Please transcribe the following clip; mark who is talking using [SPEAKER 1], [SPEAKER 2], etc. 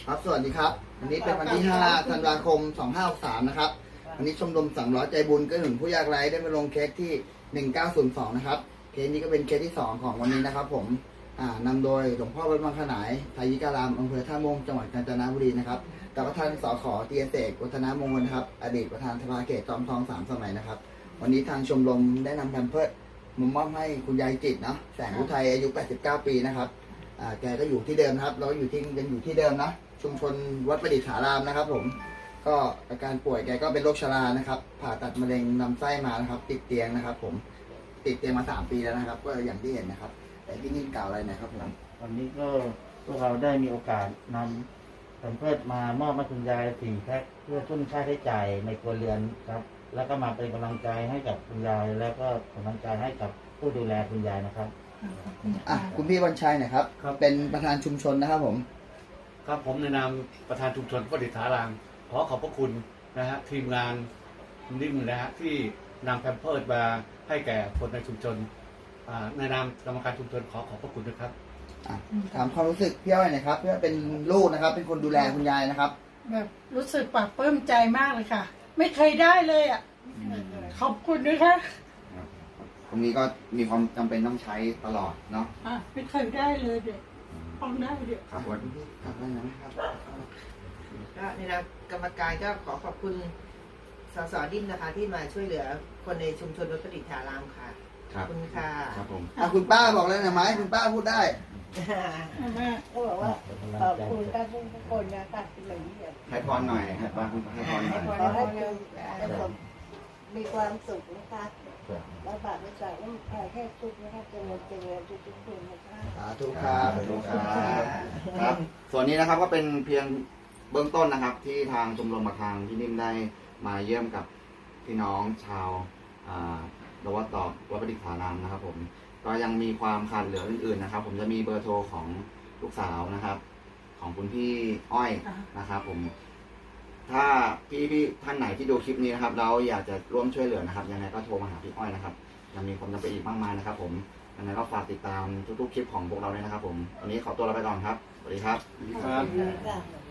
[SPEAKER 1] ครับสวัสดีครับวันนี้เป็นวันที่5ธันวาคม2563นะครับวันนี้ชมรม300ใจบุญก็หนุนผู้ยากไร้ได้มาลงเคสที่1902นะครับเคสนี้ก็เป็นเคสที่2ของวันนี้นะครับผมนำโดยหลวงพ่อวัดบางขนายไทยิการามอำเภอท่าม่วงจังหวัดกาญจนบุรีนะครับกับท่านสข.เตียเสกวัฒนมงคลครับอดีตประธานสภาเขตจอมทอง3 สมัยนะครับวันนี้ทางชมรมได้นำแพมเพิร์สมอบให้คุณยายจิตนะแสงอุทัยอายุ89 ปีนะครับแกก็อยู่ที่เดิมครับเราอยู่ที่เดิมนะชุมชนวัดประดิษฐารามนะครับผมก็อาการป่วยแกก็เป็นโรคชรานะครับผ่าตัดมะเร็งลำไส้มานะครับติดเตียงนะครับผมติดเตียงมา3 ปีแล้วนะครับก็อย่างที่เห็นนะครับแต่ที่นี่กล่าวอะไรนะครับผม
[SPEAKER 2] วันนี้ก็พวกเราได้มีโอกาสนำแพมเพิร์สมามอบให้คุณยาย4 แพ็คเพื่อทุนค่าใช้จ่ายในครัวเรือนครับแล้วก็มาเป็นกำลังใจให้กับคุณยายแล้วก็กำลังใจให้กับผู้ดูแลคุณยายนะครับ
[SPEAKER 1] คุณพี่วันชัยนะครับเป็นประธานชุมชนนะครับผม
[SPEAKER 3] ครับผมในนามประธานชุมชนประดิษฐารามขอขอบพระคุณนะฮะทีมงานนิ่มนะฮะที่นำแพมเพิร์สมาให้แก่คนในชุมชนในนามกรรมการชุมชนขอขอบพระคุณนะครับ
[SPEAKER 1] ถามความรู้สึกพี่อ้อยหน่อยครับเพื่อเป็นลูกนะครับเป็นคนดูแลคุณยายนะครับ
[SPEAKER 4] แบบรู้สึกปลาบปลื้มใจมากเลยค่ะไม่เคยได้เลยอ่ะขอบคุณนะคะ
[SPEAKER 1] ตรงนี้ก็มีความจำเป็นต้องใช้ตลอดเนาะ
[SPEAKER 4] ไม่เคยได้เลยเด็กฟังได้เด็ก
[SPEAKER 1] ครับวันนี้ครับได้นะครับ
[SPEAKER 5] ก็ในนามกรรมการก็ขอขอบคุณสสดิ้นนะคะที่มาช่วยเหลือคนในชุมชนวัดประดิษฐารามค่ะขอบคุณค่ะ
[SPEAKER 1] ครับผมคุณป้าบอกเลยนะไหมคุณป้าพูดได้
[SPEAKER 6] เขาบอกว่าขอบคุณทุกคนนะคะที่มาเยี่ยม
[SPEAKER 1] ให้พรหน่อยให้พรหน่อย
[SPEAKER 6] ขอให้มีความสุขนะคะแล้วบาปไม่ใส่ต้องแค่ทุกนะคะเจริญทุกคนนะคะ
[SPEAKER 1] สาธุครับสาธุครับส่วนนี้นะครับก็เป็นเพียงเบื้องต้นนะครับที่ทางชมรมทางที่นิ่มได้มาเยี่ยมกับพี่น้องชาววัดประดิษฐารามนะครับผมก็ยังมีความขาดเหลืออื่นๆนะครับผมจะมีเบอร์โทรของลูกสาวนะครับของคุณพี่อ้อยนะครับผมถ้าพี่ท่านไหนที่ดูคลิปนี้นะครับเราอยากจะร่วมช่วยเหลือนะครับยังไงก็โทรมาหาพี่อ้อยนะครับยังมีความจำเป็นอีกมากมายนะครับผมยังไงก็ฝากติดตามทุกๆคลิปของพวกเราด้วยนะครับผมวันนี้ขอตัวลาไปก่อนครับสวัสดีครับ